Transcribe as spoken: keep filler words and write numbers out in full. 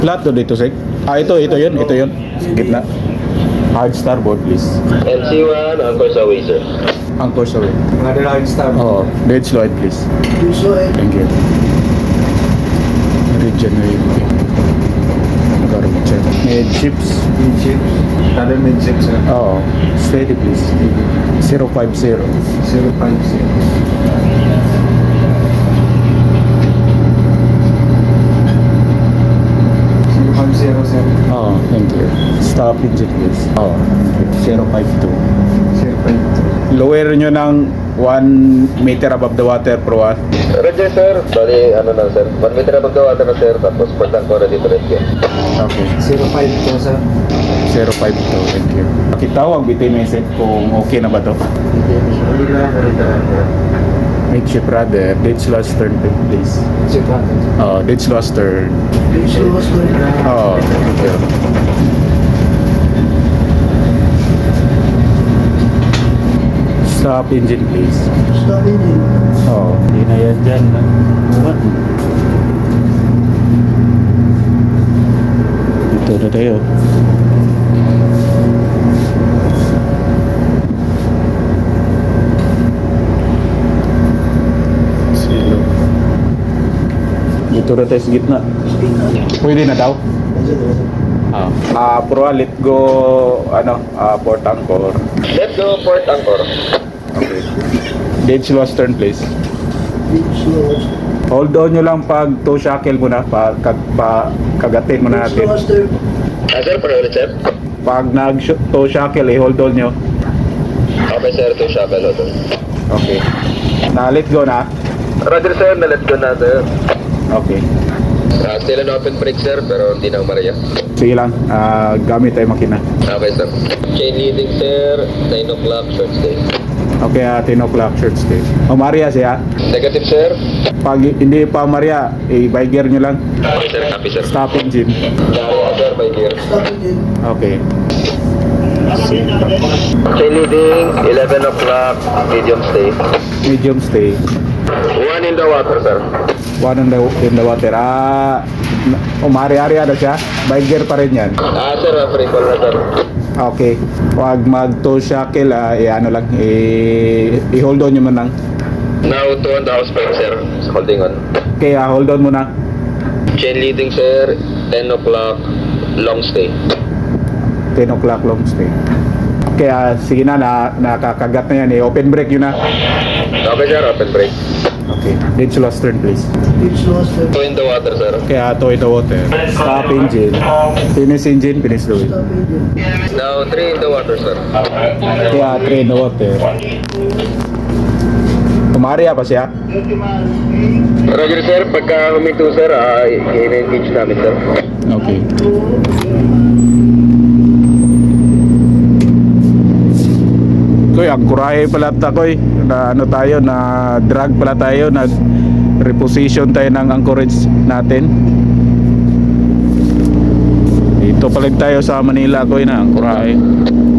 Flat to dito, Sek. Ah, ito, ito yun, ito yun. Sa gitna. Hard starboard, please. M C one, anchors away, sir. Anchors away. Another hard start. Oo. Dead slow, please. So, eh, Thank you. Regenerate. Nag-arong check. Mid chips. mid-ship. Another mid-ship, sir. Oo. Steady, please. zero five zero. zero five zero. zero five zero, sir. Oo, thank you. Stop engine, please. Oo. zero five two. zero five two. Lower nyo ng one meter above the water per watt. Roger, sir. Bali, ano na, sir. one meter above the water na, sir. Tapos, port anchor dito rin kayo. Okay. zero five two, sir. zero five two, thank you. Pakitawag bitin message kung okay na ba to. Hindi na ako rin talaga. Make ship rather. Ditch last turn, please. Ship natin. Oh, ditch last turn. So, was going na. Oh, thank you. Stop engine, please. Stop engine. Oh, hindi na yan dyan. What? Dito na tayo. Silo. Dito na tayo sa gitna. Pwede na daw? Ah, ah pro, let go, ano, ah, port anchor. Let's go, port anchor. Okay. Gauge lost turn, please. Hold on nyo lang pag toe shackle muna, pag kag, pa, kagatin muna natin. Ah, sir, para ulit, sir. Pag nag toe shackle, eh, hold on nyo. Okay, sir. Ito yung shackle, ito. Okay. Na, let go na. Roger, sir. Na-let go na, sir. Okay. Ah, still an open brake, sir. Pero hindi na umaraya. Sige lang, ah, gamit tayo makina. Okay, sir. Chain leading, sir. nine o'clock, short stay. Okay, uh, ten o'clock short stay. O, Maria siya. Negative, sir. Pag hindi pa Maria, eh, by gear nyo lang. Okay, sir. Copy, sir. Stop engine. Yeah, sir. By gear. Okay. Chain leading, eleven o'clock, medium stay. Medium stay. One in the water, sir. One in the, in the water. Ah, umari-ari na siya. By gear pa rin yan. Ah, sir. Free call na, sir. Okay. Pag mag-toe shackle, ah, eh, ano lang, eh, i-hold on nyo man lang. Now, two on the house brake, sir. Holding on. Okay, ah, hold on muna. Chain leading, sir. ten o'clock, long stay. ten o'clock long stay. Okay, ah, sige na, na, nakakagat na yan eh. Open brake yun na. Okay, sir. Open brake. Okay. Ditch lost turn, please. Two in the water, sir. Okay, ah, toe in the water. Stop engine. Finish engine, finish the wheel. Now, three in the water, sir. Okay, ah, three in the water. Umaria pa siya? Roger, sir. Pagka huminto, sir, ah, i-engage namin, sir. Okay. Koy, ang kurahe pala takoy. Na ano tayo, na drag pala tayo, nag reposition tayo ng anchorage natin. Dito pa tayo sa Manila, koy, na ang kurahe.